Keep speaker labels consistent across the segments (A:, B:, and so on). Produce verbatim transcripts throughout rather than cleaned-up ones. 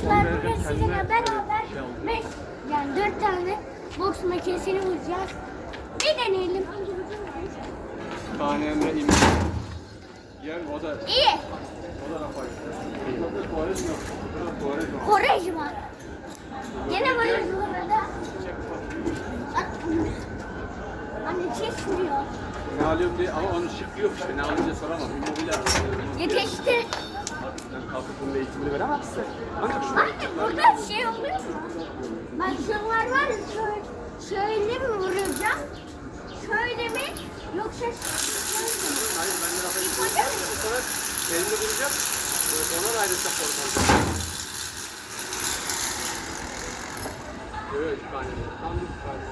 A: Arkadaşlar bugün sizinle beraber beş yani dört tane boks makinesini vuracağız. Bir deneyelim.
B: Tane Emre İmam. Yer o da.
A: İyi.
B: O da Rafael. Tuvalet yok. Tuvalet yok.
A: Korejma. Gene vuruyoruz burada. Anne çekmiyor.
B: Ne alıyorum diye ama onun şıkkı yok işte. Ne alınca soramam. Immobile
A: Yetişti.
B: ben kalkıp bunun eğitimini veremezsin. Ancak şu
A: Anne burada şey oluyor mu? Bak şunlar var ya şöyle, şöyle mi vuracağım? Şöyle mi? Yoksa şöyle mi?
B: hayır ben de Rafael'i
A: İp hoca mı?
B: bu sefer elini vuracağım. Ona da ayrıca korkmam. Evet, üç tane. Tam üç tane.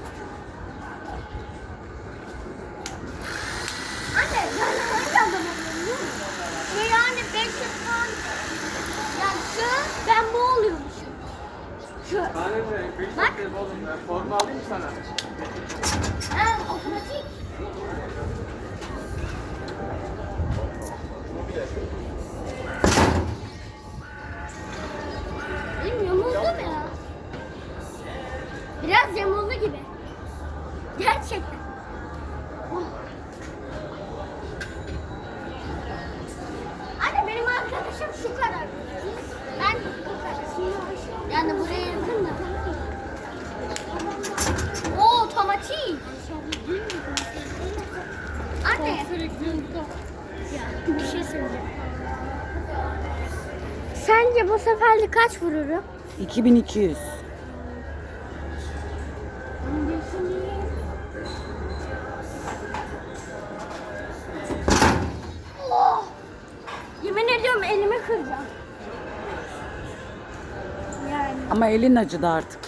A: Anne ben hangi adam oluyorum? Ve yani beş yüz falan. Yani şu ben bu oluyormuşum. Şu.
B: Tane mi? beş
A: Bak.
B: dakika oğlum. Ben forma alayım sana.
A: Ha, otomatik. Benim yamuldu mu ya? Biraz yamuldu gibi. Gerçekten. Oh. Anne benim arkadaşım şu kadar. Ben bu kadar. Yani buraya yakın da. Oo, otomatik. Anne. Bir şey söyleyeceğim. Sence bu seferlik kaç vururum?
C: iki bin iki yüz.
A: Oh! Yemin ediyorum elimi kıracağım. Yani.
C: Ama elin acıdı artık.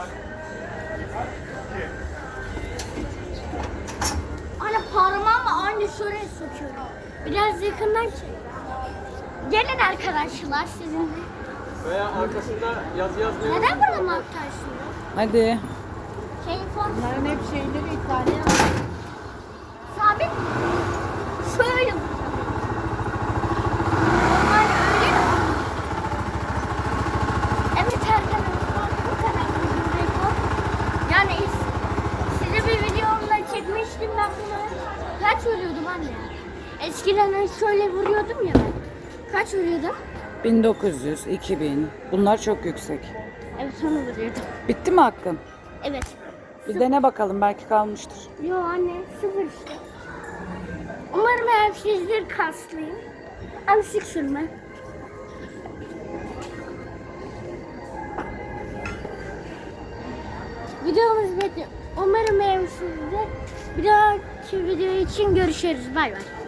A: Anne parmağımı aynı şuraya sokuyorum. Biraz yakından çek. Gelin arkadaşlar sizinle.
B: Veya arkasında yazı yazmıyor.
A: Neden bana maktarsın?
C: Hadi.
A: Şey form.
C: Bunların hep şeyleri İtalyan.
A: Sabit mi? Şöyle vuracağım. Normal öyle mi? Evet arkadaşlar bu kadar bizim rekor. Yani size bir videomda çekmiştim ben bunu. Kaç vuruyordum anne? Eskiden şöyle vuruyordum ya ben. Kaç vuruyordum?
C: bin dokuz yüz, iki bin. Bunlar çok yüksek.
A: Evet onu vuruyordum.
C: Bitti mi hakkın?
A: Evet.
C: Bir dene bakalım, belki kalmıştır.
A: Yo anne sıfır işte. Umarım hep sizdir kaslıyım. Abi sık sürme. Videomuz bitti. Umarım beğenmişsinizdir. Bir dahaki video için görüşürüz. Bay bay.